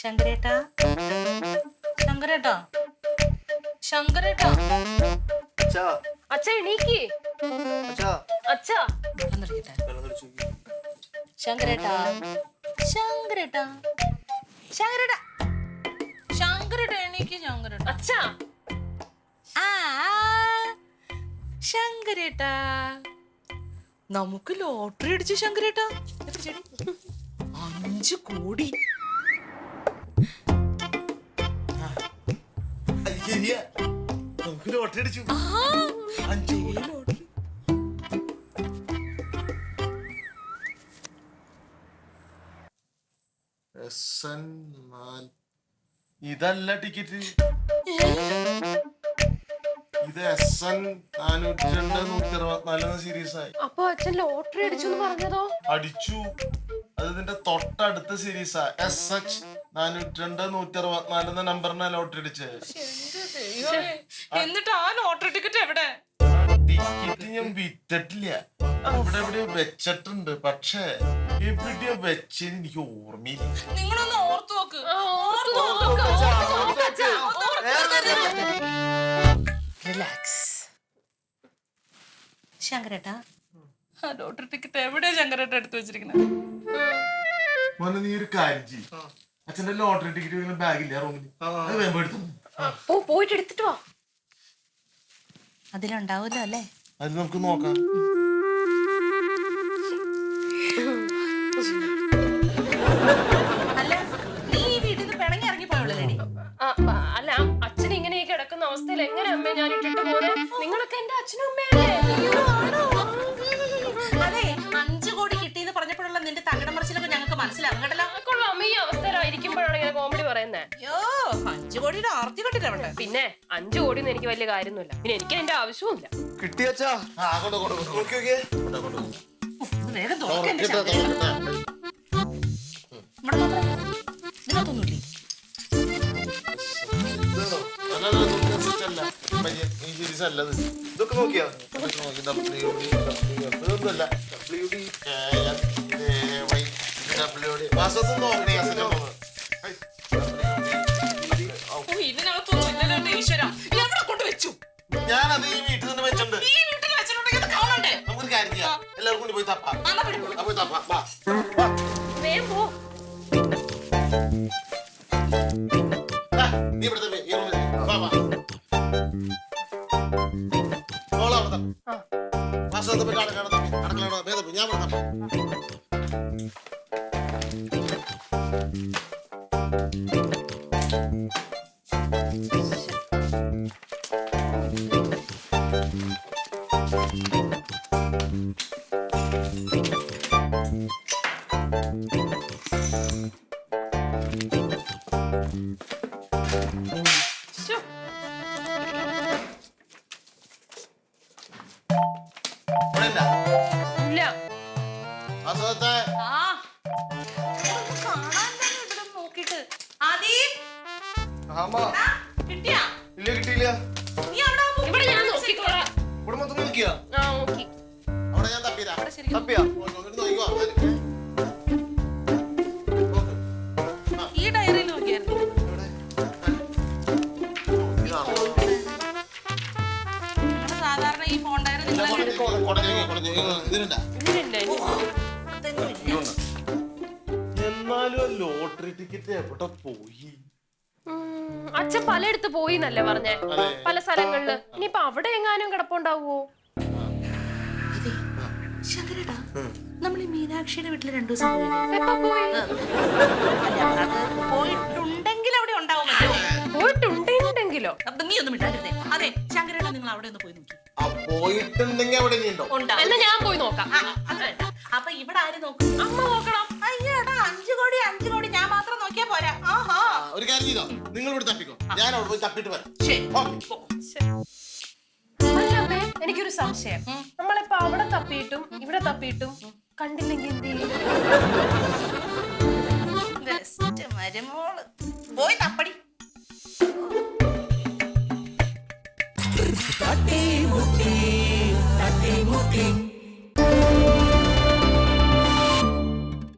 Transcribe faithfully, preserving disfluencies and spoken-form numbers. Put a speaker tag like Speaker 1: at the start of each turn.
Speaker 1: ശങ്കരേട്ടാ ശങ്കരേട്ടാ ശങ്കരേട്ടാ
Speaker 2: അച്ഛാ
Speaker 3: അച്ഛ എണീക്ക്.
Speaker 2: അച്ഛാ
Speaker 3: അച്ഛാ
Speaker 1: ശങ്കരേട്ടാ ശങ്കരേട്ടാ ശങ്കരേട്ടാ ശങ്കരേട്ടാ എണീക്ക് ശങ്കരേട്ടാ
Speaker 3: അച്ഛാ
Speaker 1: ആ ശങ്കരേട്ടാ നമുക്ക് ലോട്ടറി അടിച്ചു ശങ്കരേട്ടാ. എത്ര ചെടി? അഞ്ചു കോടി.
Speaker 2: നമുക്ക് ലോട്ടറി അടിച്ചു.
Speaker 1: അഞ്ചു കോടി ലോട്ടറി.
Speaker 2: ഇതല്ല ടിക്കറ്റ്, ഇത് എസ് എൻ നാനൂറ്റി രണ്ട് നൂറ്റി അറുപത്തിനാല് സീരീസ് ആയി.
Speaker 3: അപ്പൊ അച്ഛൻ ലോട്ടറി അടിച്ചു എന്ന് പറഞ്ഞതോ?
Speaker 2: അടിച്ചു. അത് ഇതിന്റെ തൊട്ടടുത്ത സീരീസാ. എസ് എച്ച് നാനൂറ്റി രണ്ട് നൂറ്റി അറുപത്തിനാല് എന്ന നമ്പറിനാ ലോട്ടറി അടിച്ചത്.
Speaker 1: എന്നിട്ട് ആ ലോട്ടറി ടിക്കറ്റ് എവിടെ?
Speaker 2: ടിക്കറ്റ് ഞാൻ വിറ്റിട്ടില്ല, ഇവിടെ എവിടെയോ വെച്ചിട്ടുണ്ട്. പക്ഷേ എവിടെയോ വെച്ചത് എനിക്ക് ഓർമ്മയില്ല.
Speaker 1: നിങ്ങളൊന്ന് ഓർത്തു നോക്ക്. റിലാക്സ് ശങ്കരേട്ടാ. ആ ലോട്ടറി ടിക്കറ്റ് എവിടെയാ ശങ്കരേട്ട എടുത്തു വെച്ചിരിക്കുന്നത്?
Speaker 2: മോനെ നീ ഒരു കാര്യം ചെയ്യും, അച്ഛന്റെ ലോട്ടറി ടിക്കറ്റ് ബാഗില്ല റൂമിൽ, അത് വേമ്പോ എടുത്തു
Speaker 3: പോയിട്ട് എടുത്തിട്ട് വാ.
Speaker 1: അതിലുണ്ടാവൂല്ലോ അല്ലേ?
Speaker 2: അത് നമുക്ക് നോക്കാം.
Speaker 1: അല്ല നീ ഈ വീട്ടിൽ നിന്ന് പിണങ്ങി ഇറങ്ങി പോയുള്ളൂടി.
Speaker 3: അല്ല അച്ഛൻ ഇങ്ങനെ കിടക്കുന്ന അവസ്ഥയിൽ എങ്ങനെ അമ്മ ഞാൻ ഇട്ടിട്ട് പോലെ? നിങ്ങളൊക്കെ എന്റെ അച്ഛനും അമ്മയല്ലേ?
Speaker 1: അതെ, അഞ്ചു കോടി കിട്ടിയെന്ന് പറഞ്ഞപ്പോഴുള്ള നിന്റെ തകിടം മറിച്ചിലൊക്കെ ഞങ്ങൾക്ക് മനസ്സിലാവും കേട്ടല്ലോ.
Speaker 3: കൊള്ളാം, അമ്മ ഈ അവസ്ഥയിലായിരിക്കുമ്പോഴാണ് ഇങ്ങനെ കോമഡി പറയുന്നത്.
Speaker 1: അയ്യോ, അഞ്ചു കോടിയുടെ ആർത്തി കണ്ടില്ല.
Speaker 3: പിന്നെ അഞ്ചു കോടി ഒന്നും എനിക്ക് വലിയ കാര്യമൊന്നുമില്ല, പിന്നെ എനിക്ക് എന്റെ ആവശ്യവുമില്ല.
Speaker 2: കിട്ടിയച്ചാ
Speaker 1: വേഗം ഇതിനകത്തൊന്നുമില്ലേ?
Speaker 2: ഇതൊക്കെ നോക്കിയാ
Speaker 1: ഇതിനകത്തൊന്നും ഇല്ലല്ലോ ഈശ്വര. എവിടെ കൊണ്ട് വെച്ചു?
Speaker 2: ഞാനത് ഈ വീട്ടിൽ നിന്ന് വെച്ചിട്ടുണ്ട്.
Speaker 1: ഈ വീട്ടിൽ വെച്ചിട്ടുണ്ടെങ്കിൽ അത് കാണണ്ടേ?
Speaker 2: നമുക്കൊരു കാര്യം ചെയ്യാം, എല്ലാവരും കൂടി പോയി തപ്പാ. പോയി തപ്പാ.
Speaker 3: വേഗം പോ.
Speaker 2: നീ ഇവിടെ തന്നെ ഈ റൂമിൽ വാ വാ. ഓളാ അവിടെ തപ്പാ. വാസത്തെ പറ്റി അടക്കാണ് തപ്പി. അടക്കളാണോ വേദപ്പി? ഞാൻ ഇവിടെ തപ്പാ.
Speaker 3: ഇല്ല
Speaker 2: വാസത്തെ
Speaker 1: നോക്കിട്ട്
Speaker 2: ഇല്ല കിട്ടിയില്ല.
Speaker 3: ഇവിടെ ഞാൻ നോക്കിക്കോളാം.
Speaker 2: ഇവിടെ മൊത്തം നോക്കിയാ?
Speaker 3: ആ നോക്കി.
Speaker 2: അവിടെ ഞാൻ തപ്പിരാ. തപ്പിയാ?
Speaker 1: ഈ ഡയറിയിൽ നോക്കിയായിരുന്നു. സാധാരണ ഈ ഫോൺ ഡയറി
Speaker 2: എന്നാലും ലോട്ടറി ടിക്കറ്റ് എവിടെ പോയി?
Speaker 3: അച്ഛൻ പലയിടത്ത് പോയി എന്നല്ലേ പറഞ്ഞേ, പല സ്ഥലങ്ങളില്. ഇനിയിപ്പൊ അവിടെ എങ്ങാനും കിടപ്പുണ്ടാവോ?
Speaker 1: ശങ്കരേട്ടാ, നമ്മൾ ഈ മീനാക്ഷിയുടെ വീട്ടിൽ രണ്ടു ദിവസം പോയിട്ടുണ്ടെങ്കിൽ അവിടെ ഉണ്ടാവുമല്ലോ.
Speaker 3: പോയിട്ടുണ്ടെങ്കിലോ?
Speaker 1: നീ ഒന്നും ഇട്ടായിരുന്നേ. അതെ ശങ്കരേട്ടാ, നിങ്ങൾ അവിടെ ഒന്ന് പോയി നോക്കി.
Speaker 2: പോയിട്ടുണ്ടെങ്കിൽ അവിടെ
Speaker 3: എന്നാ ഞാൻ പോയി നോക്കാം.
Speaker 1: അപ്പൊ ഇവിടെ ആര് നോക്കും?
Speaker 3: അമ്മ നോക്കണം.
Speaker 1: അയ്യോടാ, അഞ്ചു കോടി അഞ്ചു കോടി ഞാൻ മാത്രം നോക്കിയാ പോരാ. ആഹാ,
Speaker 2: ഒരു കാര്യം ചെയ്തോ, നിങ്ങൾ ഇവിടെ തപ്പിക്കോ, ഞാൻ അവിടെ പോയി തപ്പിട്ട് വരാം.
Speaker 3: എനിക്കൊരു സംശയം, നമ്മളിപ്പോ അവിടെ തപ്പിയിട്ടും ഇവിടെ തപ്പിയിട്ടും കണ്ടില്ലെങ്കിൽ എന്ത് ചെയ്യും?
Speaker 1: മരുമോള് പോയി തപ്പടി.